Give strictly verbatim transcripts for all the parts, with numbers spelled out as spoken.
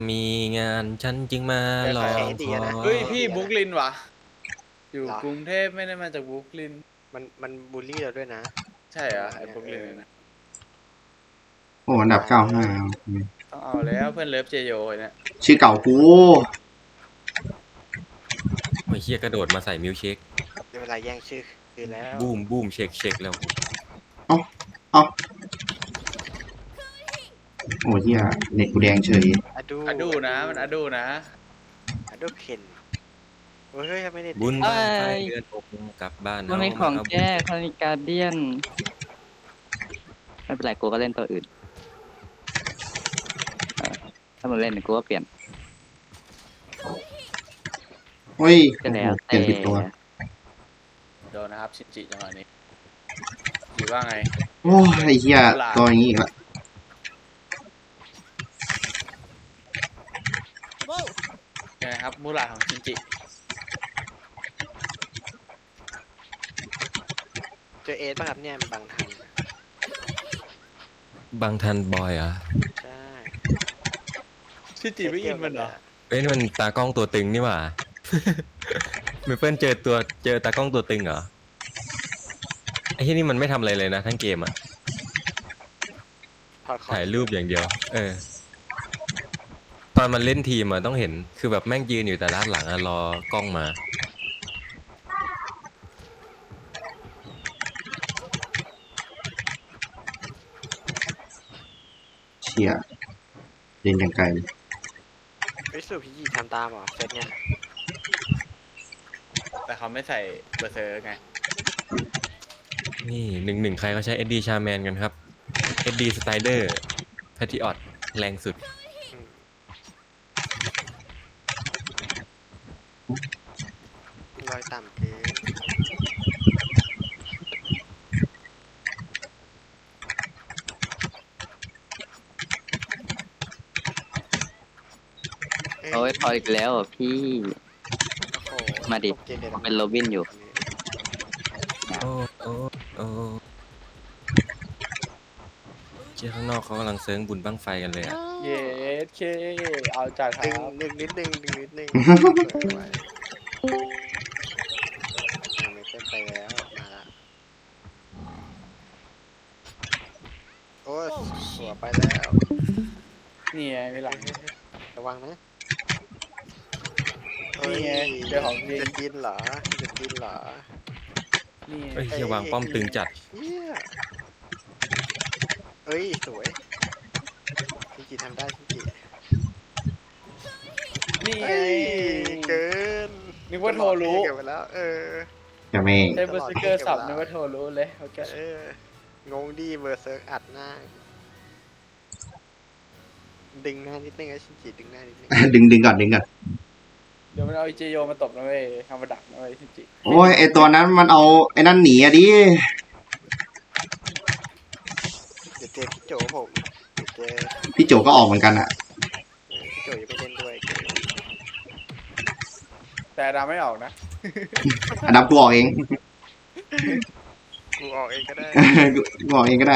มีงานฉันจึงมาแต่รอใครคให้ดีอนะเฮ้ยให้พี่ดีนะบรุกลินวะอยู่เหรอกรุงเทพไม่ได้มาจากบรุกลินมันมันบูลลี่เราด้วยนะใช่เหรอจังหวะไอ้เนี่ยบรุกลินเออเนี่ยนะโอ้อันดับตายเก้าแล้ห้าวต้องเอาแล้วเพื่อนเลิฟเจโยเนี่ยชื่อเก่ากูไอ้เฮียกระโดดมาใส่มิลค์เชคในเวลาแย่งชื่อคือแล้วบูมบูมเชคเชคแล้วเอ้าเอ้าโอ้เหี้ยเน็ตกูแดงเฉยอะดูอะดูนะมันอะดูนะอะดูเพนโอ้ยเฮ้ยไม่ได้บุญติดบ้านไฟเอ้ยเดือนอกกลับบ้านมันมีเาของมาแก้คานิการเดียนไม่เป็นไรกูก็เล่นตัวอื่นเออถ้ามันเล่นกูก็เปลี่ยนเฮ้ยก็โอ้แล้โหวเปลี่แต่ยนผิดตัวโดนนะครับชินจิจังหวะนี้จีว่าไงโอ้ยไอ้เหี้ยตัวอย่างงี้อีกละยังไงครับมูราของชินจิเจอเอสป่ะครับเนี่ยมันบังทันบางทันบอยเหรอ่ะใช่ชินจิไม่อินมันเหรอเอ้ยนี่มันตากล้องตัวตึงนี่หว่า เมเปิลเจอตัวเจอตากล้องตัวตึงเหรอไอ้ที่นี่มันไม่ทำอะไรเลยนะทั้งเกมอ่ะถอดคอถ่ายรูปอย่างเดียว เออ ตอนมันเล่นทีมอะต้องเห็น คือแบบแม่งยืนอยู่แต่ด้านหลังอะรอกล้องมาเชี่ยเล่นยังไกลเลยไอ้ยสูพี่ยีทำตามเหรอเซตเนี่ยแต่เขาไม่ใส่เบอร์เซอร์ไงนี่หนึ่งหนึ่งใครเขาใช้ เอส ดี Charman กันครับ เอส ดี Strider Patriot แรงสุดอืมรอยต่ำเกินโอ้ยพออีกแล้วอ่ะพี่โอ้โหมาดิตกเกมเลยะเป็นโรบินอยู่โอ้โอ้โอ้เจ้าข้างนอกเขากำลังเซิร์งบุญบั้งไฟกันเลยอะเย้เคเอาจัดคดึงรับดึงนิดนึงดึงนิดนึงเปิดไว้อ่าไม่เป็นไปแล้วมาละโอ้ยหัวไปแล้วนี่ไงไม่หลังระวังนะนี่ไงเจอของจริงจะกินเหรอจะกินเหรอนี่ไงเอ้ยเฮียวางป้อมตึงจัดเฮียเอ้ยสวยชินจิทำได้ชินจินี่ไงเอ้ยเกินนึกว่าโทรรู้เก็บไปแล้ว เออจะไม่ใช้เบอร์เซอร์เกอร์สับนึกว่าโทรรู้เลยโอเคเอองงดีเบอร์เซิร์กอัดหน้า ดึงหน้านิดนึงไอ้ชินจิดึงหน้านิดนึงดึงดึงก่อนดึงก่อนเดี๋ยวมันเอาไอเจโยมาตบนะเว้ยทำมาดักนะเว้ยชินจิโอ้ยไอตัวนั้นมันเอาไอ้นั่นหนีอะดิเดี๋ยวเจอพี่โจผมเดี๋ยวเจอพี่โจก็ออกเหมือนกันอะพี่โจยังไม่เล่นด้วยแต่ดาไม่ออกนะอันดับกูออกเองกูออกเองก็ได้กูออกเองก็ได้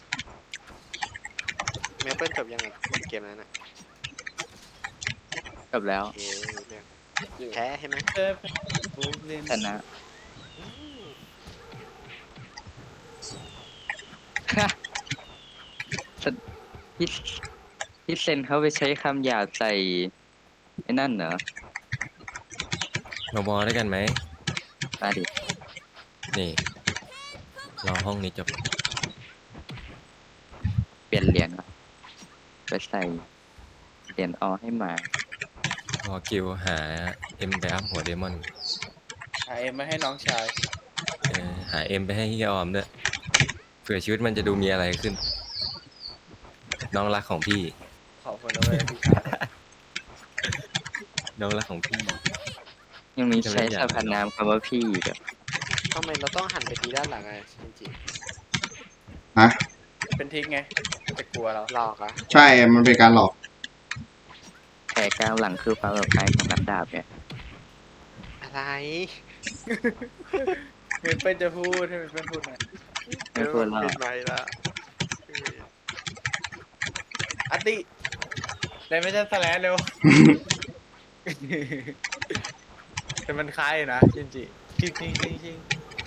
เมเปิลจบยังไงเกมนั้นอ่ะจบแล้วโอเคเรื่องแพ้ใช่ไหมเจอบูเล่นชนะ พี่พี่เซนเขาไปใช้คำหยาบใส่ไอ้นั่นเหรอมาบอลด้วยกันไหมมาดินี่ รอห้องนี้จบเปลี่ยนเหรียญก่อนไปใส่เหรียญออให้หมาพอคิวหาเอ็มไปอัพหัวเดมอนหาเอ็มมาให้น้องชายเออหาเอ็มไปให้เฮียออมด้วยเผื่อชีวิตมันจะดูมีอะไรขึ้น น้องรักของพี่ขอบคุณนะเว้ยพี่ชายน้องรักของพี่ยังมีจะใช้เล่นอย่างสรรพนามคำว่าพี่อีกอะทำไมเราต้องหันไปทีด้านหลังอ่ะชินจิฮะเป็นทิกไงจะกลัวเราหลอกอ่ะใช่ มันเป็นการหลอกแผลกลางหลังคือความปลอดภัยของนักดาบเนี่ยอะไรเมเปิลจะพูดให้เมเปิลพูดหน่อยไม่พูดหรอกปิดไมค์ละอัตติได้ไม่ใช่สแลนเร็ว แต่มันคล้ายอยู่นะจริงจริงจริงจริงจริงจริง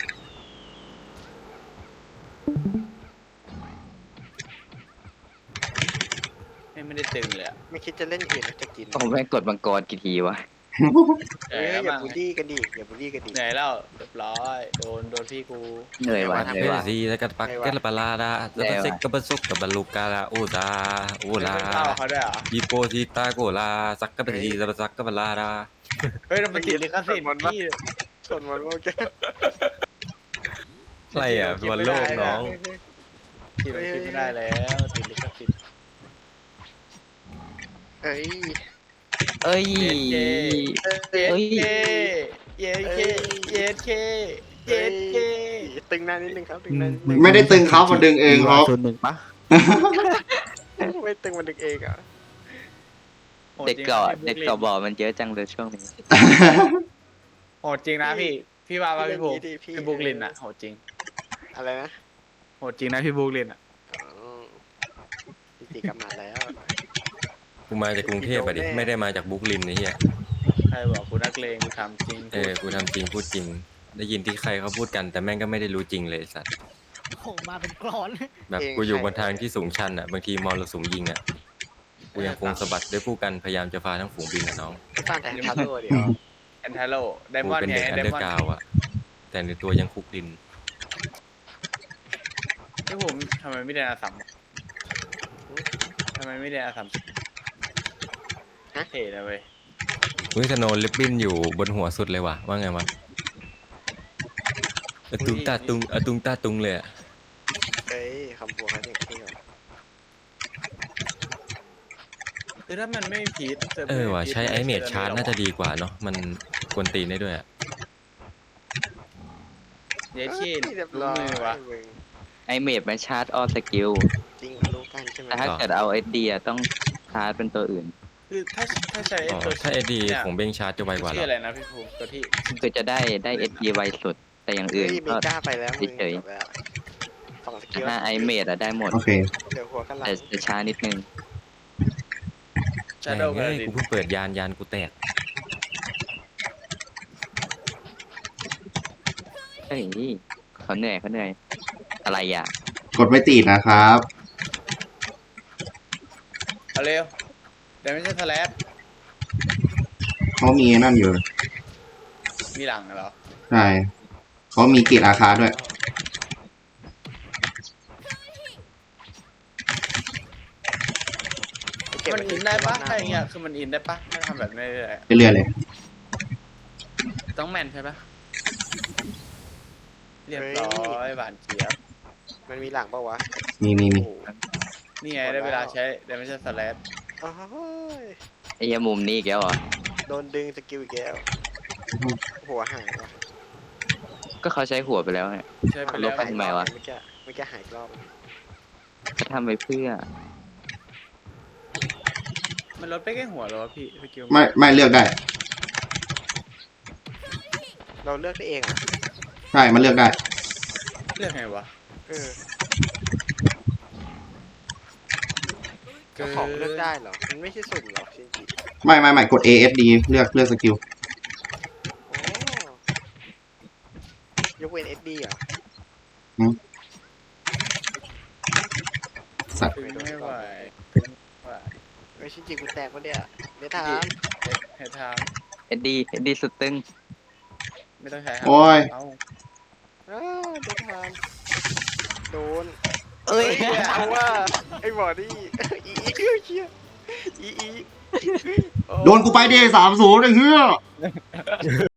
ไม่ได้ตึงเลยอะไม่คิดจะเล่นเองจะกินผมแม่งกดมังกรกี่ทีวะเหเฮ้นื่อยยแล้วอย่ามั้งบูลลี่กันดิอย่าบูลลี่กันดิเหนื่อยแล้วเรียบร้อยโดนโดนพี่กูเหนื่อยว่ะไม่เหนื่อยไหวว่ะซีแล้วก็ปักเก็ตละปลาดาแล้วก็เซ็กกับบซุกกับบลูกาลาโอดาโอลาไม่เข้าเขาด้วยเหรอยีโปซีตาโกลาซักกับบซีซักกับบลาดาเฮ้ยเรามันติดลิขสิทธิ์พี่ส่วนมันโอเคอะไรอ่ะบอลโลกน้องที่มันคิดไม่ได้แล้วติดลิขสิทธิ์เอ้ยเอ้ยเย็ดเคเอ้ยเย็ดเคเย็ดเคเย็ดเคตึงหน้านิดนึงครับตึงหน้านิดนึงไม่ได้ตึงเขามันดึงเองครับส่วนหนึ่งปะไม่ตึงมันดึงเองอ่ะเด็กเกาะเด็กเกาะบ่อมันเยอะจังเลยช่วงนี้โหดจริงนะพี่พี่ว่าว่าพี่ภูมิพี่พี่บุกลินอะโหดจริงอะไรนะโหดจริงนะพี่บุกลินอะอ๋อจริงๆกำนัดแล้วกูมาจากกรุงเทพอ่ะดิไม่ได้มาจากบุกลินไอ้เหี้ยใครบอกกูนักเลงกูทำจริงเออกูทำจริงพูดจริง ได้ยินที่ใครเขาพูดกันแต่แม่งก็ไม่ได้รู้จริงเลยไอ้สัตว์โอ้โหมาเป็นกรอนแบบกูอยู่บนทางที่สูงชันอ่ะบางทีมอลสุมยิงอ่ะกูยังคงสะบัดด้วยผู้กันพยายามจะพาทั้งฝูงบินอ่ะน้องสร้างแต่ทัพโลเดียวแอนทาโลไดกูมอนด์เป็นไงเด็กอันไดเดอมอนร์กราด์วอ่ะแต่ในตัวยังคุกดินพี่ผมทำไมไม่เรียนอาสัมทำไมไม่เรียนอาสัมเท่เลยเว้ยอุ้ยสโนว์ลิปบิ้นอยู่บนหัวสุดเลยว่ะว่าไงวะอะตุงตาตุงอะตุงตาตุงเลยอะเอ้ยคำบัวเขาอย่างที่เหรอคือถ้ามันไม่พีทเออว่ะใช้ไอเมดชาร์จน่าจะดีกว่าเนาะมันกวนตีนได้ด้วยอ่ะเยชินเรียบรู้ร้อยมือวะมึงไอเมดมันชาร์จออสกิลจริงรู้กันใช่ไหมแต่ถ้าเกิดเอาเอดีต้องชาร์จเป็นตัวอื่นคือถ้าถ้าใช้อ๋อตัวถ้าเอดีนี่ยของเบงชาร์จจะไวกว่าชื่อเหรอะไรอนะพี่ภูมิตัวที่คือจะได้ได้เอดีไวสุด แต่อย่างเฮ้อื่ยนมีก็กล้าไปแล้วมึงเฉยจบแล้วสองสกิลถ้าไอเมดอะได้หมดโอเคเดี๋ยวหัวกันหลังแต่จะช้านิดนึงชาโดว์แม่กังนเอ้ยดิกูเพิ่งเปิดยานยานกูแตกเฮ้ยเขาเหนื่อยเขาเหนื่อย อะไรอ่ะกดไม่ติดนะครับเอาเร็วแต่ไม่ใช่สแลปเขามีนั่นอยู่มีหลังเหรอใช่เขามีเกียรติอาคาด้วยเก็บมันว้อินได้ปะหถ้าอย่างเงี้ยคือมันอินได้ปะถ้าทำแบบนี้เลยเรื่อยๆเลยต้องแมนใช่ปะเรียบร้อยหวานเจี๊ยบมันมีหลังปะวะมีมีมีโอ้โหนี่ไงได้เวลาใช้แต่ไม่ใช่สแลปโอ้ยไอ้ยมุมนี้อีกแล้วเหรอโดนดึงสกิลอีกแล้วหัวหายว่ะก็เขาใช้หัวไปแล้วไงใช้ไปลแล้วบไปทำไมวะเมื่อกี้เมื่อกี้หายอีกรอบเขาทำไปเพื่อมันลดไปแค่หัวเหรอวะพี่สกิลไม่ไม่เลือกได้เราเลือกได้เองอ่ะใช่มันเลือกได้เลือกไงวะเออเจ้าของเลือกได้เหรอ มันไม่ใช่สุ่มเหรอชินจิไม่ไม่ไม่กด A S D เลือกเลือกสกิลโอ้ยกเว้นเอสดีเหรอสัตว์ถึงไม่ไหวว่าไม่ชินจิกูแตกปะเนี่ยเดี๋ยวถามให้ทางเอ็ดดีเอ็ดดีสุดตึงไม่ต้องใช้ครับโอ้ยเอาอ้าวเดี๋ยวถามโดนเอ้ยเอาว่าไอ้บอดี้อีอีเชี่ยอีอีโดนกูไปเดย์สามศูนย์ไอ้เหี้ย